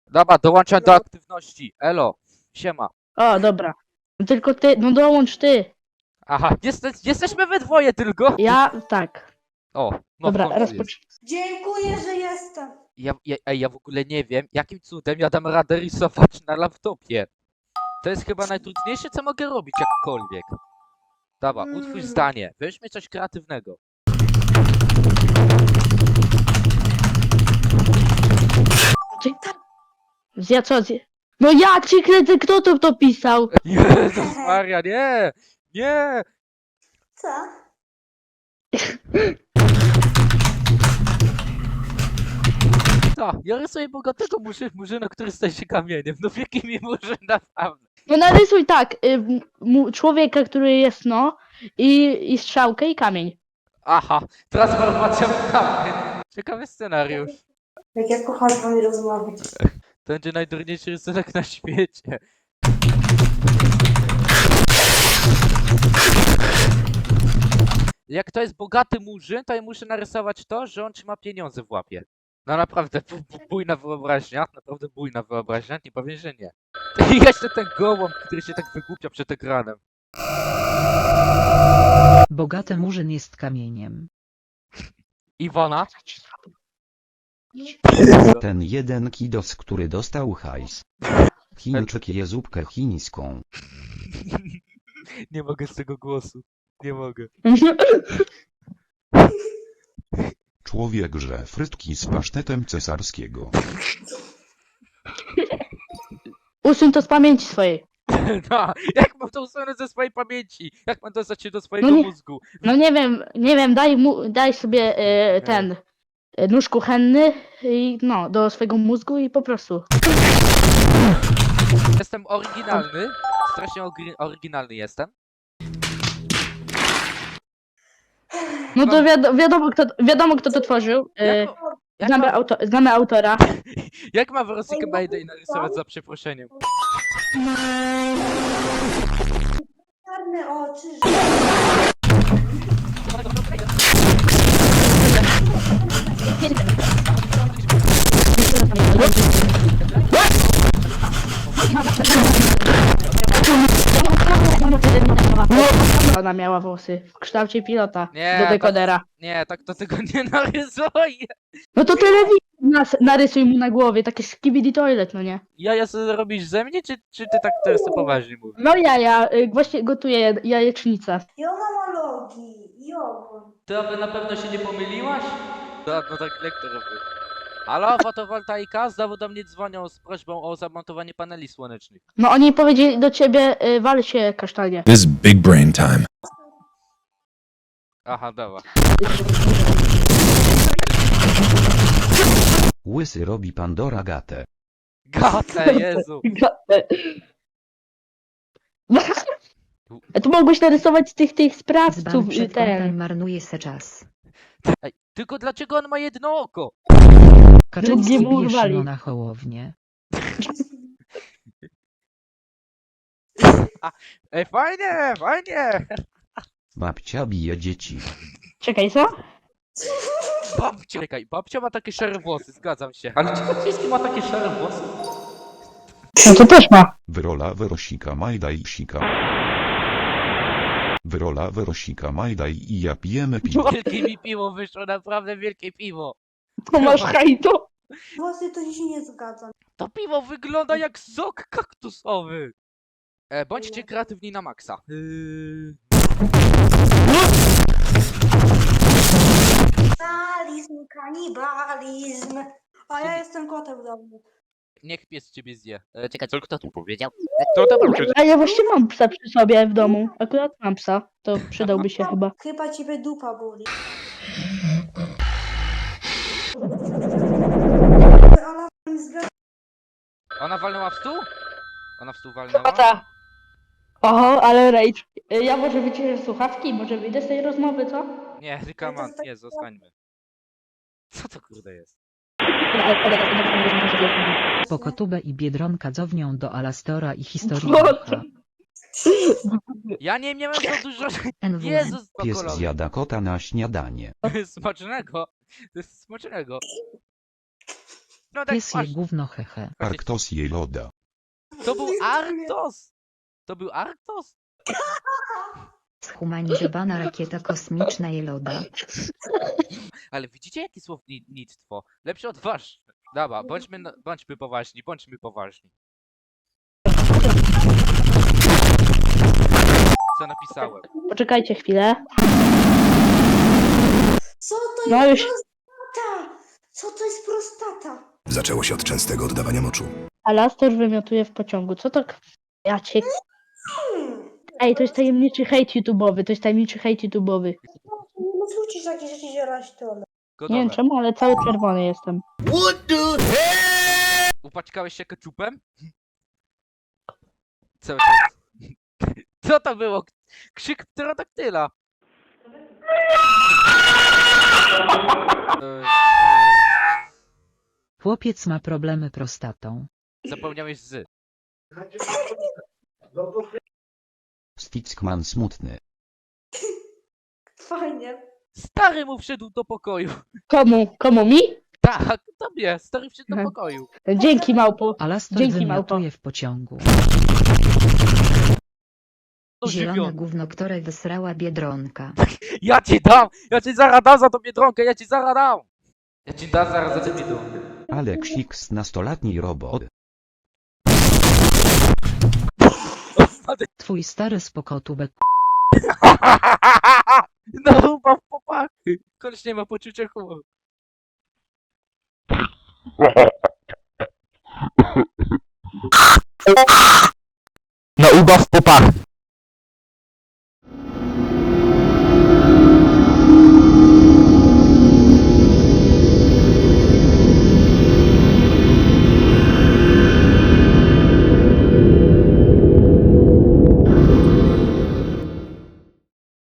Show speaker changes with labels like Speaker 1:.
Speaker 1: Dobra, dołączam do aktywności. Elo, siema.
Speaker 2: O, dobra. Tylko ty, no dołącz ty.
Speaker 1: Aha, jesteśmy we dwoje tylko.
Speaker 2: Ja, tak.
Speaker 1: O, no w
Speaker 2: Dobra,
Speaker 1: końcu jest.
Speaker 2: rozpocznij.
Speaker 3: Dziękuję, że jestem.
Speaker 1: Ja w ogóle nie wiem, jakim cudem ja dam radę rysować na laptopie. To jest chyba najtrudniejsze, co mogę robić jakkolwiek. Dobra, utwórz zdanie. Weźmy coś kreatywnego.
Speaker 2: Ja co? No ja ci kręcę, kto to pisał?
Speaker 1: Jezus Maria, nie! Nie!
Speaker 3: Co?
Speaker 1: Co? Ja rysuję bogatego murzyna, który staje się kamieniem. No wielki mi murzyn, naprawdę.
Speaker 2: No narysuj tak, człowieka, który jest no i strzałkę i kamień.
Speaker 1: Aha, transformacja w kamień. Ciekawy scenariusz.
Speaker 3: Jak ja kocham z wami rozmawiać.
Speaker 1: To będzie najdurniejszy rysunek na świecie. Jak to jest bogaty murzyn, to ja muszę narysować to, że on trzyma pieniądze w łapie. No naprawdę, bujna wyobraźnia, naprawdę bujna wyobraźnia, nie powiem, że nie. I jeszcze ten gołąb, który się tak wygłupia przed ekranem.
Speaker 4: Bogaty murzyn jest kamieniem.
Speaker 1: Iwona?
Speaker 5: Ten jeden kidos, który dostał hajs. Chińczyk je zupkę chińską.
Speaker 1: Nie mogę z tego głosu. Nie mogę.
Speaker 6: Człowiek żre frytki z pasztetem cesarskiego.
Speaker 2: Usuń to z pamięci swojej.
Speaker 1: No, jak mam to usunąć ze swojej pamięci? Jak mam dostać się do swojego
Speaker 2: No nie-
Speaker 1: mózgu?
Speaker 2: No nie wiem, daj sobie ten nóż kuchenny i no, do swojego mózgu i po prostu.
Speaker 1: Jestem oryginalny. Strasznie oryginalny jestem.
Speaker 2: No to wiadomo kto to tworzył.
Speaker 1: Jak, ma,
Speaker 2: Znamy autora.
Speaker 1: jak ma Weronika Mayday narysować za przeproszeniem?
Speaker 3: Czarne oczy,
Speaker 2: Ona miała włosy w kształcie pilota
Speaker 1: Nie,
Speaker 2: do
Speaker 1: tak-
Speaker 2: dekodera.
Speaker 1: Nie, tak to tego nie narysuję.
Speaker 2: No to telewizor narysuj mu na głowie, takie skibidi toilet, no nie?
Speaker 1: Jaja sobie robisz ze mnie, czy ty tak teraz to poważnie mówisz?
Speaker 2: No właśnie gotuję jajecznicę.
Speaker 3: ja mam logi i ogon.
Speaker 1: Ty aby na pewno się nie pomyliłaś? No tak lektor robił. Halo, fotowoltaika? Znowu do mnie dzwonią z prośbą o zamontowanie paneli słonecznych.
Speaker 2: No oni powiedzieli do ciebie, wal się kasztanie.
Speaker 7: This is big brain time.
Speaker 1: Aha, dobra.
Speaker 5: Łysy robi Pandora gatę.
Speaker 1: Gatę, Jezu.
Speaker 2: A tu mogłeś narysować tych sprawców,
Speaker 4: Dzban przed kątem
Speaker 2: ten.
Speaker 4: marnuje se czas.
Speaker 1: Ej, tylko dlaczego on ma jedno oko?
Speaker 4: Kaczyński
Speaker 2: Drugie mu
Speaker 4: bije
Speaker 2: urwali.
Speaker 4: Szymona Hołownię.
Speaker 1: Ej, fajnie, fajnie.
Speaker 5: Babcia bije dzieci.
Speaker 2: Czekaj, co?
Speaker 1: Babcia, czekaj, babcia ma takie szare włosy, zgadzam się. Ale czy Kaczyński ma takie szare włosy?
Speaker 2: No to też ma.
Speaker 6: Wyrola wyrosika majdaj sika. Wyrola wyrosika majdaj i ja pijemy piwo.
Speaker 1: Wielkie mi piwo wyszło, naprawdę wielkie piwo.
Speaker 2: To masz hajdu.
Speaker 3: Włosy to się nie zgadzam.
Speaker 1: To piwo wygląda jak sok kaktusowy. Bądźcie kreatywni na maksa.
Speaker 3: Kanibalizm, kanibalizm. A ja jestem kotem w domu.
Speaker 1: Niech pies ciebie zje. Czekaj, co kto tu powiedział? Kto to powiedział?
Speaker 2: A ja właśnie mam psa przy sobie w domu. Akurat mam psa. To przydałby się chyba.
Speaker 3: Chyba ciebie dupa boli. Ona mi zgadza.
Speaker 1: Ona walnęła w stół? Ona w stół walnęła?
Speaker 2: Tata. Oho, ale rage. Ja może wyciszę słuchawki, może wyjdę z tej rozmowy, co?
Speaker 1: Nie, Rykaman, nie, zostańmy. Co to kurde jest?
Speaker 4: Pokotubę i Biedronka dzownią do Alastora i historii
Speaker 2: Co?
Speaker 4: ducha.
Speaker 1: Ja nie miałem za dużo...
Speaker 4: NWN.
Speaker 1: Jezus,
Speaker 5: Pies
Speaker 1: to
Speaker 5: zjada kota na śniadanie.
Speaker 1: Smacznego. To jest smacznego. No tak
Speaker 4: Pies je
Speaker 1: właśnie.
Speaker 4: gówno hehe.
Speaker 6: Arktos je loda.
Speaker 1: To był Arktos! To był Arktos?
Speaker 7: Zhumanizowana rakieta kosmiczna Jeloda.
Speaker 1: Ale widzicie jakie słownictwo? Lepsze od wasz. Dobra, bądźmy poważni, bądźmy poważni. Co napisałem?
Speaker 2: Poczekajcie chwilę.
Speaker 3: Co to
Speaker 2: No
Speaker 3: jest
Speaker 2: już.
Speaker 3: prostata? Co to jest prostata?
Speaker 8: Zaczęło się od częstego oddawania moczu.
Speaker 2: Alastor wymiotuje w pociągu. Co to? Ja cię...
Speaker 3: Hmm.
Speaker 2: Ej, to jest tajemniczy hejt YouTube'owy. To jest tajemniczy hejt YouTube'owy.
Speaker 3: Nie musisz takie rzeczy zierać to.
Speaker 1: Gotowe.
Speaker 2: Nie wiem czemu, ale cały czerwony jestem.
Speaker 1: Upaćkałeś się keczupem? Cały czas. Co to było? Krzyk pterodaktyla.
Speaker 4: Chłopiec ma problemy prostatą.
Speaker 1: Zapomniałeś z.
Speaker 5: Stickman smutny.
Speaker 3: Fajnie.
Speaker 1: Stary mu wszedł do pokoju.
Speaker 2: Komu? Komu mi?
Speaker 1: Tak, tobie. Stary wszedł do
Speaker 2: Aha.
Speaker 1: pokoju.
Speaker 2: Dzięki małpo.
Speaker 4: Alastor
Speaker 2: Dzięki, małpo.
Speaker 4: wymiotuje w pociągu.
Speaker 7: Zielone
Speaker 1: Ożywiony.
Speaker 7: gówno, które wysrała Biedronka.
Speaker 1: Ja ci dam! Ja ci zaraz dam za tą biedronkę! Ja ci zaraz dam! Ja ci dam zaraz za tę biedronkę.
Speaker 5: Aleksix nastolatni robot.
Speaker 4: Twój stary spokotubek.
Speaker 1: No chyba w popachy. Koleś nie ma poczucia humoru.
Speaker 9: No ubaw popachy.